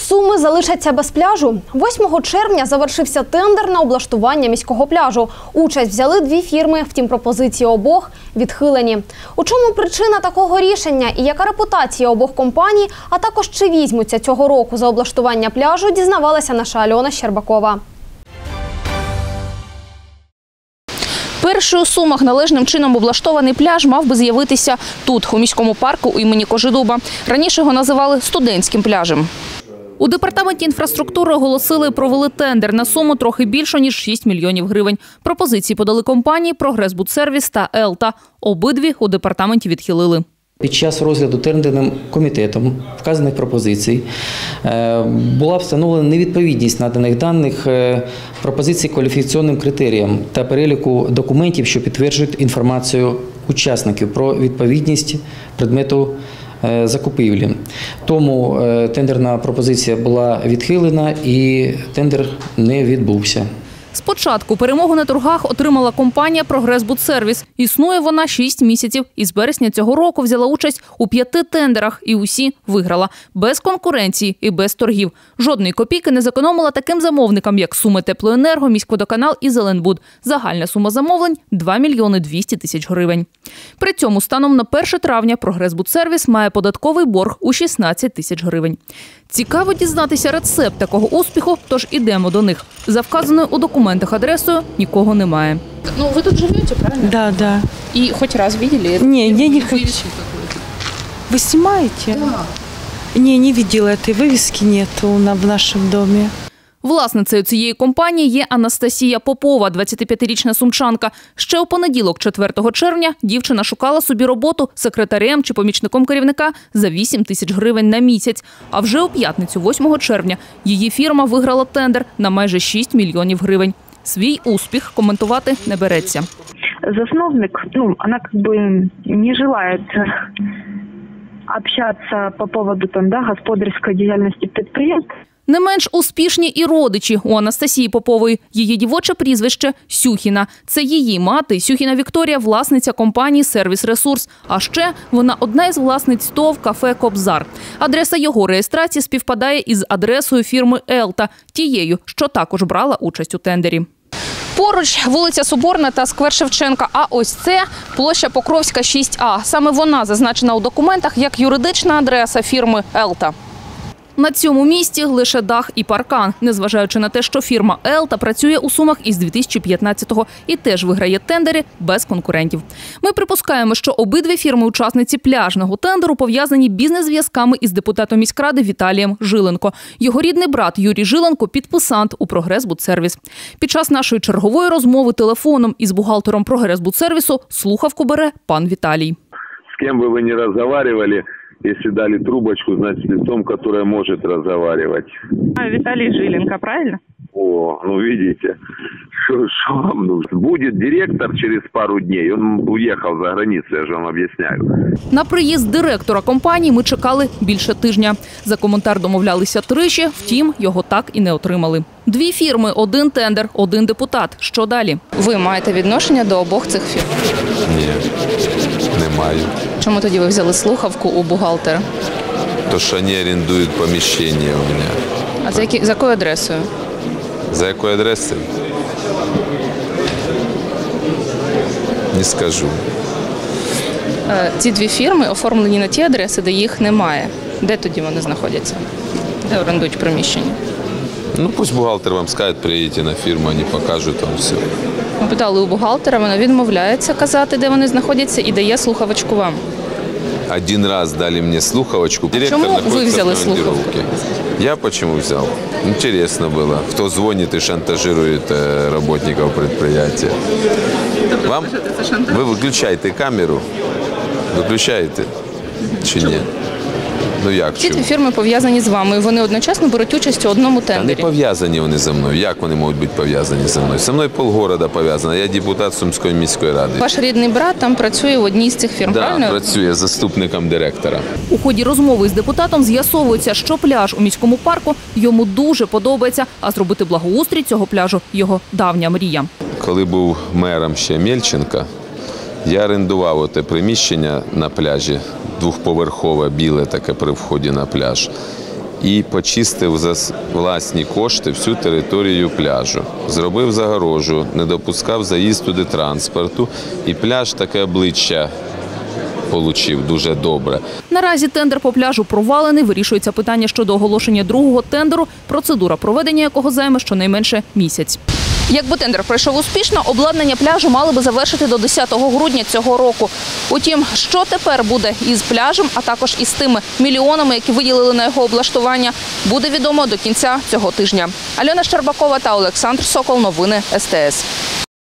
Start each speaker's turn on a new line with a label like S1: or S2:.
S1: Суми залишаться без пляжу. 8 червня завершився тендер на облаштування міського пляжу. Участь взяли 2 фірми, втім пропозиції обох відхилені. У чому причина такого рішення і яка репутація обох компаній, а також чи візьмуться цього року за облаштування пляжу, дізнавалася наша Альона Щербакова.
S2: Перший у Сумах належним чином облаштований пляж мав би з'явитися тут, у міському парку імені Кожедуба. Раніше його називали студентським пляжем. У департаменті інфраструктури оголосили і провели тендер на суму трохи більше, ніж 6 мільйонів гривень. Пропозиції подали компанії «Прогресбудсервіс» та «Елта». Обидві у департаменті відхилили.
S3: Під час розгляду тендерним комітетом вказаних пропозицій була встановлена невідповідність наданих даних пропозицій кваліфікаційним критеріям та переліку документів, що підтверджують інформацію учасників про відповідність предмету закупівлі. Тому тендерна пропозиція була відхилена і тендер не відбувся.
S2: Спочатку перемогу на торгах отримала компанія «Прогресбудсервіс». Існує вона 6 місяців і з березня цього року взяла участь у 5 тендерах і усі виграла. Без конкуренції і без торгів. Жодної копійки не зекономила таким замовникам, як Суми Теплоенерго, Міськводоканал і Зеленбуд. Загальна сума замовлень – 2 мільйони 200 тисяч гривень. При цьому станом на 1 травня «Прогресбудсервіс» має податковий борг у 16 тисяч гривень. Цікаво дізнатися рецепт такого успіху, тож ідемо до них. За вказаною у документах адресою нікого немає.
S4: Ну, вы тут живете, правильно?
S5: Да, да.
S4: И хоть раз видели?
S5: Не, я не хочу. Вы снимаете?
S4: Да.
S5: Не видела этой вывески, нету в нашем доме.
S2: Власницею цієї компанії є Анастасія Попова, 25-річна сумчанка. Ще у понеділок, 4 червня, дівчина шукала собі роботу секретарем чи помічником керівника за 8 тисяч гривень на місяць. А вже у п'ятницю, 8 червня, її фірма виграла тендер на майже 6 мільйонів гривень. Свій успіх коментувати не береться.
S6: Засновник, она как бы не желает общаться по поводу господарской деятельности предприятия.
S2: Не менш успішні і родичі у Анастасії Попової. Її дівоче прізвище – Сюхіна. Це її мати, Сюхіна Вікторія, власниця компанії «Сервіс Ресурс». А ще вона одна із власниць ТОВ «Кафе Кобзар». Адреса його реєстрації співпадає із адресою фірми «Елта», тією, що також брала участь у тендері. Поруч вулиця Соборна та сквер Шевченка, а ось це площа Покровська, 6А. Саме вона зазначена у документах як юридична адреса фірми «Елта». На цьому місці лише дах і паркан, незважаючи на те, що фірма «Елта» працює у Сумах із 2015-го і теж виграє тендери без конкурентів. Ми припускаємо, що обидві фірми-учасниці пляжного тендеру пов'язані бізнес-зв'язками із депутатом міськради Віталієм Жиленко. Його рідний брат Юрій Жиленко – підписант у «Прогресбудсервіс». Під час нашої чергової розмови телефоном із бухгалтером «Прогресбудсервісу» слухавку бере пан Віталій.
S7: З ким би ви не розмовляли, если дали трубочку, значит, лицом, которое может разговаривать.
S6: Виталий Жиленко, правильно?
S7: О, видите, что вам нужно. Будет директор через пару дней, он уехал за границу, я же вам объясняю.
S2: На приїзд директора компанії ми чекали більше тижня. За коментар домовлялися тричі, втім, його так і не отримали. 2 фірми, 1 тендер, 1 депутат. Що далі?
S4: Ви маєте відношення до обох цих фірм?
S8: Ні, не маю.
S4: Чому тоді ви взяли слухавку у бухгалтера?
S8: То, що вони орендують поміщення у мене.
S4: А за якою адресою?
S8: За якою адресою? Не скажу.
S4: Ці 2 фірми оформлені на ті адреси, де їх немає. Де тоді вони знаходяться? Де орендують приміщення?
S8: Пусть бухгалтер вам скаже, приїдьте на фірму, вони покажуть вам все.
S4: Ми питали у бухгалтера, вона відмовляється казати, де вони знаходяться, і дає слухавочку вам.
S8: 1 раз дали мені слухавочку.
S4: Чому ви взяли слухавку?
S8: Я почему взял? Интересно было, кто звонит и шантажирует работников предприятия. Вам? Вы выключаете камеру? Выключаете? Чи ні? Як
S4: Ці 2 фірми пов'язані з вами, і вони одночасно беруть участь у одному тендері.
S8: Та не пов'язані вони зі мною. Як вони можуть бути пов'язані зі мною? Зі мною полгорода пов'язано. Я депутат Сумської міської ради.
S4: Ваш рідний брат там працює в одній з цих фірм, правильно?
S8: Так, працює заступником директора.
S2: У ході розмови з депутатом з'ясовується, що пляж у міському парку йому дуже подобається, а зробити благоустрій цього пляжу – його давня мрія.
S8: Коли був мером ще Мельченка, я орендував те приміщення на пляжі, 2-поверхове, біле таке при вході на пляж. і почистив за власні кошти всю територію пляжу. Зробив загорожу, не допускав заїзд туди транспорту, і пляж таке обличчя получив дуже добре.
S2: Наразі тендер по пляжу провалений. Вирішується питання щодо оголошення другого тендеру, процедура проведення якого займе щонайменше місяць. Якби тендер пройшов успішно, обладнання пляжу мали би завершити до 10 грудня цього року. Утім, що тепер буде із пляжем, а також із тими мільйонами, які виділили на його облаштування, буде відомо до кінця цього тижня. Альона Щербакова та Олександр Сокол. Новини СТС.